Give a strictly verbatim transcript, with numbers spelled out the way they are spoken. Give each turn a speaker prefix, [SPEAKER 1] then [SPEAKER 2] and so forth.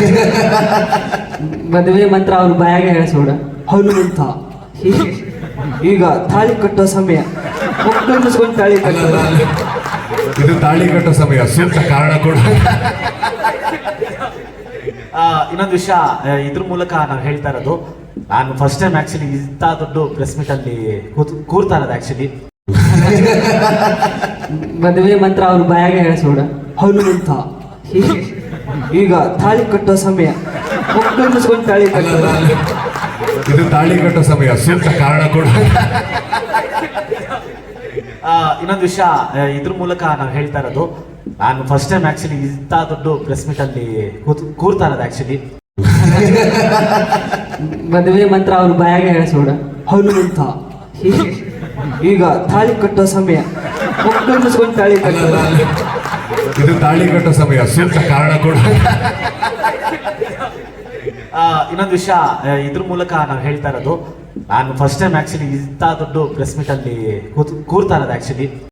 [SPEAKER 1] ಮದುವೆ ಮಂತ್ರ ಅವ್ರ ಬಾಯಾಗ ಹೇಳಿಸೋಡ ಹನುಮಂತ ಹೀಗೆ ಈಗ ತಾಳಿ ಕಟ್ಟೋ ಸಮಯ ಮಕ್ಕಳು ಮುಸ್ಕೊಂಡು ತಾಳಿ ಕಟ್ಟೋದು.
[SPEAKER 2] ಇದು ತಾಳಿ ಕಟ್ಟೋ ಸಮಯ, ಸೂಕ್ತ ಕಾರಣ ಕೂಡ.
[SPEAKER 3] ಆ, ಇನ್ನೊಂದು ವಿಷಯ ಇದ್ರ ಮೂಲಕ ನಾವು ಹೇಳ್ತಾ ಇರೋದು, ನಾನು ಫಸ್ಟ್ ಟೈಮ್ ಆಕ್ಚುಲಿ ಇಂಥ ದೊಡ್ಡ ಪ್ರೆಸ್ ಮೀಟ್ ಅಲ್ಲಿ ಕೂತ್ ಕೂರ್ತಾ ಇರೋದು ಆಕ್ಚುಲಿ.
[SPEAKER 1] ಮದುವೆ ಮಂತ್ರ ಅವ್ರ ಬಾಯಾಗ ಹೇಳಿಸೋಡ ಹನುಮಂತ ಹೀಗೆ ಈಗ ತಾಳಿ ಕಟ್ಟೋ ಸಮಯ ಮಕ್ಕಳು ಮುಸ್ಕೊಂಡು ತಾಳಿ ಕಟ್ಟೋದು.
[SPEAKER 2] ಇದು ತಾಳಿ ಕಟ್ಟೋ ಸಮಯ, ಸೂಕ್ತ ಕಾರಣ ಕೂಡ.
[SPEAKER 3] ಆ, ಇನ್ನೊಂದು ವಿಷಯ ಇದ್ರ ಮೂಲಕ ನಾವು ಹೇಳ್ತಾ ಇರೋದು, ನಾನು ಫಸ್ಟ್ ಟೈಮ್ ಆಕ್ಚುಲಿ ಇಂಥ ದೊಡ್ಡ ಪ್ರೆಸ್ ಮೀಟ್ ಅಲ್ಲಿ ಕೂತ್ ಕೂರ್ತಾ ಇರೋದು ಆಕ್ಚುಲಿ.
[SPEAKER 1] ಮದುವೆ ಮಂತ್ರ ಅವ್ರ ಬಾಯಾಗ ಹೇಳಿಸೋಡ ಹನುಮಂತ ಹೀಗೆ ಈಗ ತಾಳಿ ಕಟ್ಟೋ ಸಮಯ ಮಕ್ಕಳು ಮುಸ್ಕೊಂಡು ತಾಳಿ ಕಟ್ಟೋದು.
[SPEAKER 2] ಇದು ತಾಳಿ ಕಟ್ಟೋ ಸಮಯ, ಸೂಕ್ತ ಕಾರಣ ಕೂಡ.
[SPEAKER 3] ಆ, ಇನ್ನೊಂದು ವಿಷಯ ಇದ್ರ ಮೂಲಕ ನಾವು ಹೇಳ್ತಾ ಇರೋದು, ನಾನು ಫಸ್ಟ್ ಟೈಮ್ ಆಕ್ಚುಲಿ ಇಂಥ ದೊಡ್ಡ ಪ್ರೆಸ್ ಮೀಟ್ ಅಲ್ಲಿ ಕೂತ್ ಕೂರ್ತಾ ಇರೋದು ಆಕ್ಚುಲಿ.